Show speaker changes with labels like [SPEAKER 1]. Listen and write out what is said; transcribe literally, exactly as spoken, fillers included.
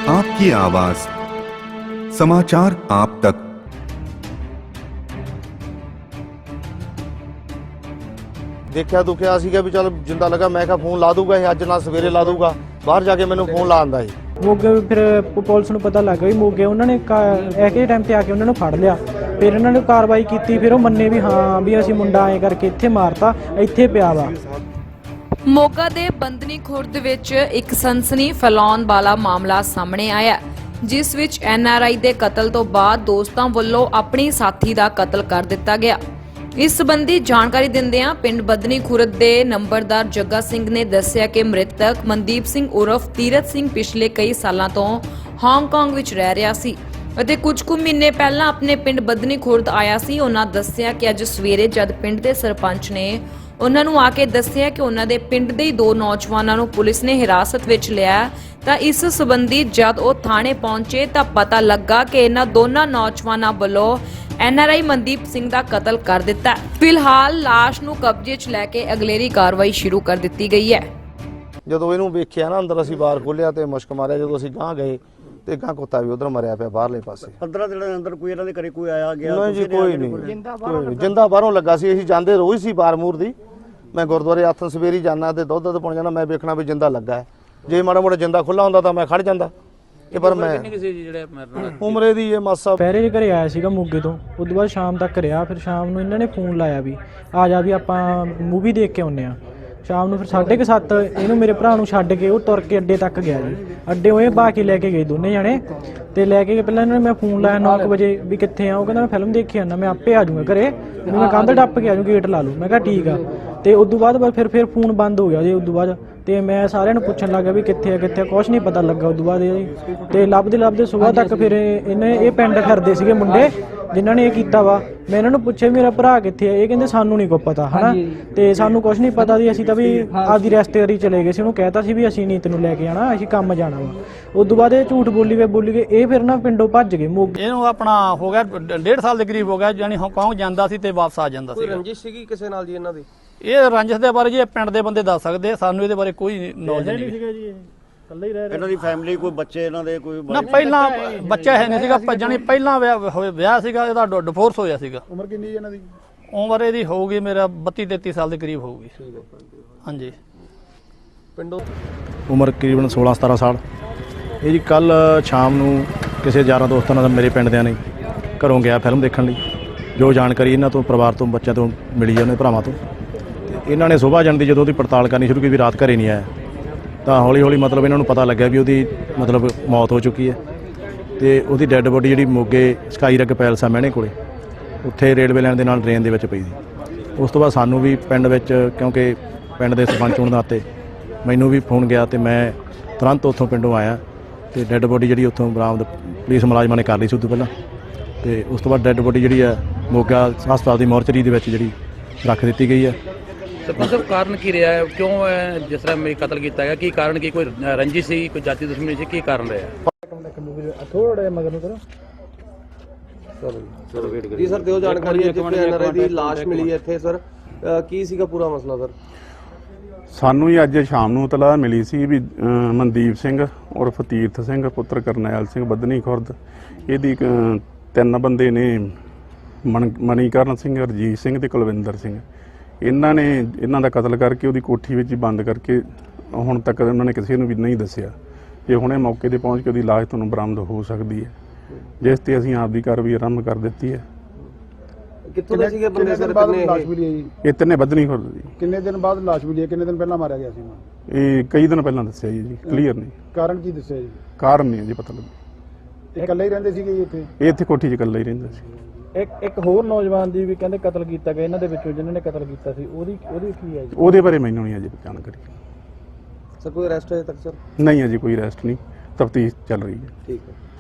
[SPEAKER 1] आपकी आवाज, समाचार आप तक।
[SPEAKER 2] देखा दुखिया सीगा भी चल जिंदा लगा, मैं क्या फोन ला दूंगा अज ना सवेरे ला दूंगा, बाहर जाके मैंने फोन ला आंदा है।
[SPEAKER 3] ਮੋਗੇ ਫਿਰ ਪੁਲਿਸ ਨੂੰ ਪਤਾ ਲੱਗ ਗਿਆ ਵੀ ਮੋਗੇ ਉਹਨਾਂ ਨੇ ਐਕੇ ਟਾਈਮ ਤੇ ਆ ਕੇ ਉਹਨਾਂ ਨੂੰ ਫੜ ਲਿਆ। ਫਿਰ ਇਹਨਾਂ ਨੇ ਕਾਰਵਾਈ ਕੀਤੀ, ਫਿਰ ਉਹ ਮੰਨੇ ਵੀ ਹਾਂ ਵੀ ਅਸੀਂ ਮੁੰਡਾ ਐ ਕਰਕੇ ਇੱਥੇ ਮਾਰਤਾ, ਇੱਥੇ ਪਿਆ ਵਾ।
[SPEAKER 4] ਮੋਗਾ ਦੇ ਬੰਦਨੀ ਖੁਰਦ ਵਿੱਚ ਇੱਕ ਸਨਸਨੀ ਫੈਲਾਉਣ ਵਾਲਾ ਮਾਮਲਾ ਸਾਹਮਣੇ ਆਇਆ, ਜਿਸ ਵਿੱਚ ਐਨ ਆਰ ਆਈ ਦੇ ਕਤਲ ਤੋਂ ਬਾਅਦ ਦੋਸਤਾਂ ਵੱਲੋਂ ਆਪਣੀ ਸਾਥੀ ਦਾ ਕਤਲ ਕਰ ਦਿੱਤਾ ਗਿਆ। ਇਸ ਸੰਬੰਧੀ ਜਾਣਕਾਰੀ ਦਿੰਦਿਆਂ ਪਿੰਡ ਬੰਦਨੀ ਖੁਰਦ ਦੇ ਨੰਬਰਦਾਰ ਜੱਗਾ ਸਿੰਘ ਨੇ ਦੱਸਿਆ ਕਿ ਮ੍ਰਿਤਕ ਮਨਦੀਪ ਸਿੰਘ ਉਰਫ ਤੀਰਥ ਸਿੰਘ ਪਿਛਲੇ ਕਈ ਸਾਲਾਂ ਤੋਂ ਹਾਂਗਕਾਂਗ ਵਿੱਚ ਰਹਿ ਰਿਹਾ ਸੀ ਅਤੇ ਕੁਝ ਕੁ ਮਹੀਨੇ ਪਹਿਲਾਂ ਆਪਣੇ ਪਿੰਡ ਬੰਦਨੀ ਖੁਰਦ ਆਇਆ ਸੀ। ਉਹਨਾਂ ਦੱਸਿਆ ਕਿ ਅੱਜ ਸਵੇਰੇ ਜਦ ਪਿੰਡ ਦੇ ਸਰਪੰਚ ਨੇ ਉਹਨਾਂ ਨੂੰ ਆ ਕੇ ਦੱਸਿਆ ਕਿ ਉਹਨਾਂ ਦੇ ਪਿੰਡ ਦੇ ਦੋ ਨੌਜਵਾਨਾਂ ਨੂੰ ਪੁਲਿਸ ਨੇ ਹਿਰਾਸਤ ਵਿੱਚ ਲਿਆ, ਤਾਂ ਇਸ ਸੰਬੰਧੀ ਜਦ ਉਹ ਥਾਣੇ ਪਹੁੰਚੇ ਤਾਂ ਪਤਾ ਲੱਗਾ ਕਿ ਇਹਨਾਂ ਦੋਨਾਂ ਨੌਜਵਾਨਾਂ ਵੱਲੋਂ N R I Mandeep Singh ਦਾ ਕਤਲ ਕਰ ਦਿੱਤਾ। ਫਿਲਹਾਲ ਲਾਸ਼ ਨੂੰ ਕਬਜ਼ੇ 'ਚ ਲੈ ਕੇ ਅਗਲੇਰੀ ਕਾਰਵਾਈ ਸ਼ੁਰੂ ਕਰ ਦਿੱਤੀ ਗਈ ਹੈ।
[SPEAKER 2] ਜਦੋਂ ਇਹਨੂੰ ਵੇਖਿਆ ਨਾ ਅੰਦਰ ਅਸੀਂ ਬਾਹਰ ਖੋਲਿਆ ਤੇ ਮੁਸ਼ਕ ਮਾਰਿਆ, ਜਦੋਂ ਅਸੀਂ ਗਾਂ ਗਏ ਤੇ ਗਾਂ ਕੁੱਤਾ ਵੀ ਉਧਰ ਮਰਿਆ ਪਿਆ ਬਾਹਰਲੇ ਪਾਸੇ।
[SPEAKER 5] ਪੰਦਰਾਂ ਦਿਨਾਂ ਦੇ ਅੰਦਰ ਕੋਈ ਇਹਨਾਂ ਦੇ ਘਰੇ ਕੋਈ ਆਇਆ ਗਿਆ?
[SPEAKER 2] ਨਹੀਂ ਜੀ, ਕੋਈ ਨਹੀਂ, ਜਿੰਦਾ ਬਾਹਰੋਂ ਲੱਗਾ ਸੀ। ਅਸੀਂ ਜਾਂਦੇ ਰੋਜ਼ ਸੀ ਬਾਰਮੂਰ ਦੀ, ਮੈਂ ਗੁਰਦੁਆਰੇ ਹੱਥ ਸਵੇਰੀ ਜਾਣਾ ਤੇ ਦੁੱਧ ਦੁੱਧ ਪਾਉਣ ਜਾਣਾ, ਮੈਂ ਵੇਖਣਾ ਵੀ ਜਿੰਦਾ ਲੱਗਾ ਹੈ। ਜੇ ਮਾੜਾ ਮੋੜਾ ਜਿੰਦਾ ਖੁੱਲਾ ਹੁੰਦਾ ਤਾਂ ਮੈਂ ਖੜ ਜਾਂਦਾ। ਇਹ ਪਰ ਮੈਂ ਉਮਰੇ ਦੀ ਇਹ ਮਾਸਾ
[SPEAKER 3] ਪਹਿਰੇ ਘਰੇ ਆਇਆ ਸੀਗਾ ਮੋਗੇ ਤੋਂ, ਉਸ ਤੋਂ ਬਾਅਦ ਸ਼ਾਮ ਤੱਕ ਰਿਹਾ। ਫਿਰ ਸ਼ਾਮ ਨੂੰ ਇਹਨਾਂ ਨੇ ਫੋਨ ਲਾਇਆ ਵੀ ਆ ਜਾ ਵੀ ਆਪਾਂ ਮੂਵੀ ਦੇਖ ਕੇ ਆਉਂਦੇ ਆ। ਸ਼ਾਮ ਨੂੰ ਫਿਰ ਸਾਢੇ ਕੁ ਸੱਤ ਇਹਨੂੰ ਮੇਰੇ ਭਰਾ ਨੂੰ ਛੱਡ ਕੇ ਉਹ ਤੁਰ ਕੇ ਅੱਡੇ ਤੱਕ ਗਿਆ ਜੀ। ਅੱਡੇ ਉਹ ਬਾ ਕੇ ਲੈ ਕੇ ਗਏ ਦੋਨੇ ਜਾਣੇ ਤੇ ਲੈ ਕੇ ਪਹਿਲਾਂ ਇਹਨਾਂ ਨੇ ਮੈਂ ਫੋਨ ਲਾਇਆ ਨੌ ਕੁ ਵਜੇ ਵੀ ਕਿੱਥੇ ਆ। ਉਹ ਕਹਿੰਦਾ ਮੈਂ ਫਿਲਮ ਦੇਖੀ ਆਉਂਦਾ, ਮੈਂ ਆਪੇ ਆ ਜਾਊਂਗਾ ਘਰੇ, ਮੈਂ ਕੰਧ ਟੱਪ ਕੇ ਆ ਜਾਊਂ, ਗੇਟ ਲਾ ਲੂ। ਮੈਂ ਕਿਹਾ ਠੀਕ ਆ। ਤੇ ਉਸ ਤੋਂ ਬਾਅਦ ਫਿਰ ਫਿਰ ਫੋਨ ਬੰਦ ਹੋ ਗਿਆ ਜੀ। ਉਸ ਤੋਂ ਬਾਅਦ ਤੇ ਮੈਂ ਸਾਰਿਆਂ ਨੂੰ ਪੁੱਛਣ ਲੱਗਾ ਵੀ ਕਿੱਥੇ ਆ ਕਿੱਥੇ ਆ, ਕੁਛ ਨਹੀਂ ਪਤਾ ਲੱਗਾ। ਉਸ ਤੋਂ ਬਾਅਦ ਇਹ ਤੇ ਲੱਭਦੇ ਲੱਭਦੇ ਸਵੇਰ ਤੱਕ ਫਿਰ ਇਹਨੇ ਇਹ ਪਿੰਡ ਫਿਰਦੇ ਸੀਗੇ ਮੁੰਡੇ ਜਿਨ੍ਹਾਂ ਨੇ ਇਹ ਕੀਤਾ ਵਾ। ਮੈਂ ਇਹਨਾਂ ਨੂੰ ਪੁੱਛਿਆ ਮੇਰਾ ਭਰਾ ਕਿੱਥੇ ਆ, ਇਹ ਕਹਿੰਦੇ ਸਾਨੂੰ ਨਹੀਂ ਕੋਈ ਪਤਾ ਹਨਾ, ਤੇ ਸਾਨੂੰ ਕੁਛ ਨਹੀਂ ਪਤਾ ਸੀ। ਅਸੀਂ ਤਾਂ ਵੀ ਆਪਦੀ ਰਿਸ਼ਤੇਦਾਰੀ ਚਲੇ ਗਏ ਸੀ, ਉਹਨੂੰ ਕਹਿਤਾ ਸੀ ਵੀ ਅਸੀਂ ਨਹੀਂ ਤੈਨੂੰ ਲੈ ਕੇ ਆਣਾ, ਅਸੀਂ ਕੰਮ ਜਾਣਾ ਵਾ। ਉਸ ਤੋਂ ਬਾਅਦ ਇਹ ਝੂਠ ਬੋਲੀ ਗਏ ਬੋਲੀ ਗਏ ਇਹ ਫਿਰ ਨਾ ਪਿੰਡੋਂ ਭੱਜ ਗਏ। ਮੋਗੇ
[SPEAKER 6] ਇਹਨੂੰ ਆਪਣਾ ਹੋ ਗਿਆ ਡੇਢ ਸਾਲ ਦੇ ਕਰੀਬ ਹੋ ਗਿਆ, ਜਾਨੀ ਹਾਂਗਕਾਂਗ ਜਾਂਦਾ ਸੀ ਤੇ ਵਾਪਸ ਆ ਜਾਂਦਾ ਸੀ।
[SPEAKER 2] ਕੋਈ ਰੰਜਿਸ਼ ਸੀਗੀ ਕਿਸੇ ਨਾਲ ਜੀ ਇਹਨਾਂ ਦੀ?
[SPEAKER 6] ਇਹ ਰੰਜਿਸ਼ ਦੇ ਬਾਰੇ ਜੀ ਇਹ ਪਿੰਡ ਦੇ ਬੰਦੇ ਦੱਸ ਸਕਦੇ, ਸਾਨੂੰ ਇਹਦੇ ਬਾਰੇ ਕੋਈ ਨੌਲੇਜ ਨਹੀਂ ਸੀਗਾ ਜੀ।
[SPEAKER 3] ਇਕੱਲੇ ਹੀ ਰਹਿ
[SPEAKER 5] ਇਹਨਾਂ ਦੀ ਫੈਮਿਲੀ ਕੋਈ ਬੱਚੇ ਇਹਨਾਂ ਦੇ ਕੋਈ?
[SPEAKER 6] ਨਾ ਪਹਿਲਾਂ ਬੱਚਾ ਹੈ ਨਹੀਂ ਸੀਗਾ, ਜਾਨੀ ਪਹਿਲਾਂ ਵਿਆਹ ਵਿਆਹ ਸੀਗਾ ਇਹਦਾ, ਡਿਵੋਰਸ ਹੋਇਆ ਸੀਗਾ।
[SPEAKER 2] ਉਮਰ ਕਿੰਨੀ ਜੀ ਇਹਨਾਂ ਦੀ?
[SPEAKER 6] ਉਮਰ ਇਹਦੀ ਹੋਊਗੀ ਮੇਰਾ ਬੱਤੀ ਤੇਤੀ ਸਾਲ ਦੇ ਕਰੀਬ ਹੋਊਗੀ। ਹਾਂਜੀ।
[SPEAKER 2] ਪਿੰਡੋਂ
[SPEAKER 7] ਉਮਰ ਤਕਰੀਬਨ ਸੋਲਾਂ ਸਤਾਰਾਂ ਸਾਲ। ਇਹ ਜੀ ਕੱਲ ਸ਼ਾਮ ਨੂੰ ਕਿਸੇ ਯਾਰਾਂ ਦੋਸਤਾਂ ਨਾਲ ਮੇਰੇ ਪਿੰਡ ਦਿਆਂ ਨੇ ਘਰੋਂ ਗਿਆ ਫਿਲਮ ਦੇਖਣ ਲਈ। ਜੋ ਜਾਣਕਾਰੀ ਇਹਨਾਂ ਤੋਂ ਪਰਿਵਾਰ ਤੋਂ ਬੱਚਿਆਂ ਤੋਂ ਮਿਲੀ ਉਹਨੇ ਭਰਾਵਾਂ ਤੋਂ, ਤੇ ਇਹਨਾਂ ਨੇ ਸੁਬਾਹ ਜਾਣ ਦੀ ਜਦੋਂ ਉਹਦੀ ਪੜਤਾਲ ਕਰਨੀ ਸ਼ੁਰੂ ਕੀਤੀ ਵੀ ਰਾਤ ਘਰੇ ਨਹੀਂ ਆਇਆ, ਤਾਂ ਹੌਲੀ ਹੌਲੀ ਮਤਲਬ ਇਹਨਾਂ ਨੂੰ ਪਤਾ ਲੱਗਿਆ ਵੀ ਉਹਦੀ ਮਤਲਬ ਮੌਤ ਹੋ ਚੁੱਕੀ ਹੈ। ਤੇ ਉਹਦੀ ਡੈੱਡ ਬੋਡੀ ਜਿਹੜੀ ਮੋਗੇ ਸਕਾਈ ਰਗ ਪੈਲਸ ਆ ਮਹਿਣੇ ਕੋਲੇ, ਉੱਥੇ ਰੇਲਵੇ ਲਾਈਨ ਦੇ ਨਾਲ ਡਰੇਨ ਦੇ ਵਿੱਚ ਪਈ ਸੀ। ਉਸ ਤੋਂ ਬਾਅਦ ਸਾਨੂੰ ਵੀ ਪਿੰਡ ਵਿੱਚ, ਕਿਉਂਕਿ ਪਿੰਡ ਦੇ ਸਰਪੰਚ ਹੋਣ ਦੇ ਨਾਤੇ ਮੈਨੂੰ ਵੀ ਫੋਨ ਗਿਆ ਤੇ ਮੈਂ ਤੁਰੰਤ ਉੱਥੋਂ ਪਿੰਡੋਂ ਆਇਆ ਤੇ ਡੈੱਡ ਬੋਡੀ ਜਿਹੜੀ ਉੱਥੋਂ ਬਰਾਮਦ ਪੁਲਿਸ ਮੁਲਾਜ਼ਮਾਂ ਨੇ ਕਰ ਲਈ ਸੀ ਉਦੋਂ ਪਹਿਲਾਂ। ਤੇ ਉਸ ਤੋਂ ਬਾਅਦ ਡੈੱਡ ਬੋਡੀ ਜਿਹੜੀ ਹੈ ਮੋਗਾ ਹਸਪਤਾਲ ਦੀ ਮੋਰਚਰੀ ਦੇ ਵਿੱਚ ਜਿਹੜੀ ਰੱਖ ਦਿੱਤੀ ਗਈ ਹੈ।
[SPEAKER 8] ਸਰਪੰਚ ਸਾਹਿਬ, ਕਾਰਨ ਕੀ ਰਿਹਾ ਹੈ? ਕਿਉਂ ਜਿਸ ਤਰ੍ਹਾਂ ਮੇਰੀ ਕਤਲ ਕੀਤਾ ਗਿਆ? ਕੀ ਕਾਰਨ? ਕੀ ਕੋਈ ਰੰਜਿਸ਼ ਸੀ, ਕੋਈ ਜਾਤੀ ਦੁਸ਼ਮਣੀ ਸੀ? ਕੀ ਕਾਰਨ ਰਿਹਾ?
[SPEAKER 3] ਥੋੜਾ ਮਗਰ ਨੂੰ ਕਰੋ
[SPEAKER 9] ਜੀ ਸਰ, ਦਿਓ ਜਾਣਕਾਰੀ। ਜਿੱਥੇ ਐਨ ਆਰ ਆਈ ਦੀ ਲਾਸ਼ ਮਿਲੀ ਹੈ ਇੱਥੇ ਸਰ, ਕੀ ਸੀਗਾ ਪੂਰਾ ਮਸਲਾ ਸਰ?
[SPEAKER 10] ਸਾਨੂੰ ਹੀ ਅੱਜ ਸ਼ਾਮ ਨੂੰ ਇਤਲਾਹ ਮਿਲੀ ਸੀ ਵੀ ਮਨਦੀਪ ਸਿੰਘ ਉਰਫ ਤੀਰਥ ਸਿੰਘ ਪੁੱਤਰ ਕਰਨੈਲ ਸਿੰਘ ਬੰਦਨੀ ਖੁਰਦ, ਇਹਦੀ ਤਿੰਨ ਬੰਦੇ ਨੇ ਮਨ ਮਣੀਕਰਨ ਸਿੰਘ, ਰਜੀਤ ਸਿੰਘ ਤੇ ਕੁਲਵਿੰਦਰ ਸਿੰਘ, ਇਹਨਾਂ ਨੇ ਇਹਨਾਂ ਦਾ ਕਤਲ ਕਰਕੇ ਉਹਦੀ ਕੋਠੀ ਵਿੱਚ ਹੀ ਬੰਦ ਕਰਕੇ ਹੁਣ ਤੱਕ ਉਹਨਾਂ ਨੇ ਕਿਸੇ ਨੂੰ ਵੀ ਨਹੀਂ ਦੱਸਿਆ। ਜੇ ਹੁਣੇ ਮੌਕੇ 'ਤੇ ਪਹੁੰਚ ਕੇ ਉਹਦੀ ਲਾਸ਼ ਤੁਹਾਨੂੰ ਬਰਾਮਦ ਹੋ ਸਕਦੀ ਹੈ, ਜਿਸ 'ਤੇ ਅਸੀਂ ਆਪਦੀ ਕਾਰਵਾਈ ਆਰੰਭ ਕਰ ਦਿੱਤੀ ਹੈ।
[SPEAKER 9] ਕਿੱਥੋਂ ਦੇ ਸੀਗੇ ਬੰਦੇ ਸਰ? ਕਿੰਨੇ ਲਾਸ਼ ਮਿਲੀ ਹੈ ਜੀ?
[SPEAKER 10] ਇਹ ਤਿੰਨੇ ਬੰਦਨੀ ਖੁਰਦ ਜੀ।
[SPEAKER 9] ਕਿੰਨੇ ਦਿਨ ਬਾਅਦ ਲਾਸ਼ ਮਿਲੀ ਹੈ? ਕਿੰਨੇ ਦਿਨ ਪਹਿਲਾਂ ਮਾਰਿਆ ਗਿਆ ਸੀ?
[SPEAKER 10] ਇਹ ਕਈ ਦਿਨ ਪਹਿਲਾਂ ਦੱਸਿਆ ਜੀ, ਜੀ ਕਲੀਅਰ ਨਹੀਂ।
[SPEAKER 9] ਕਾਰਨ ਕੀ ਦੱਸਿਆ ਜੀ?
[SPEAKER 10] ਕਾਰਨ ਨਹੀਂ ਜੀ ਪਤਾ ਲੱਗਾ।
[SPEAKER 9] ਇਕੱਲੇ ਹੀ ਰਹਿੰਦੇ ਸੀਗੇ ਜੀ ਇੱਥੇ?
[SPEAKER 10] ਇਹ ਇੱਥੇ ਕੋਠੀ 'ਚ ਇਕੱਲਾ ਹੀ ਰਹਿੰਦਾ ਸੀ।
[SPEAKER 3] ਇੱਕ ਇੱਕ ਹੋਰ ਨੌਜਵਾਨ ਦੀ ਵੀ ਕਹਿੰਦੇ ਕਤਲ ਕੀਤਾ ਗਿਆ ਇਹਨਾਂ ਦੇ ਵਿੱਚੋਂ, ਜਿਨ੍ਹਾਂ ਨੇ ਕਤਲ ਕੀਤਾ ਸੀ, ਉਹਦੀ ਉਹਦੀ ਕੀ ਹੈ ਜੀ?
[SPEAKER 10] ਉਹਦੇ ਬਾਰੇ ਮੈਨੂੰ ਨਹੀਂ ਅਜੇ ਜਾਣਕਾਰੀ।
[SPEAKER 9] ਸਰ ਕੋਈ ਅਰੈਸਟ ਹੋਇਆ ਤੱਕ ਸਰ?
[SPEAKER 10] ਨਹੀਂ ਅਜੇ ਕੋਈ ਅਰੈਸਟ ਨਹੀਂ, ਤਫਤੀਸ਼ ਚੱਲ ਰਹੀ ਹੈ।
[SPEAKER 9] ਠੀਕ ਹੈ।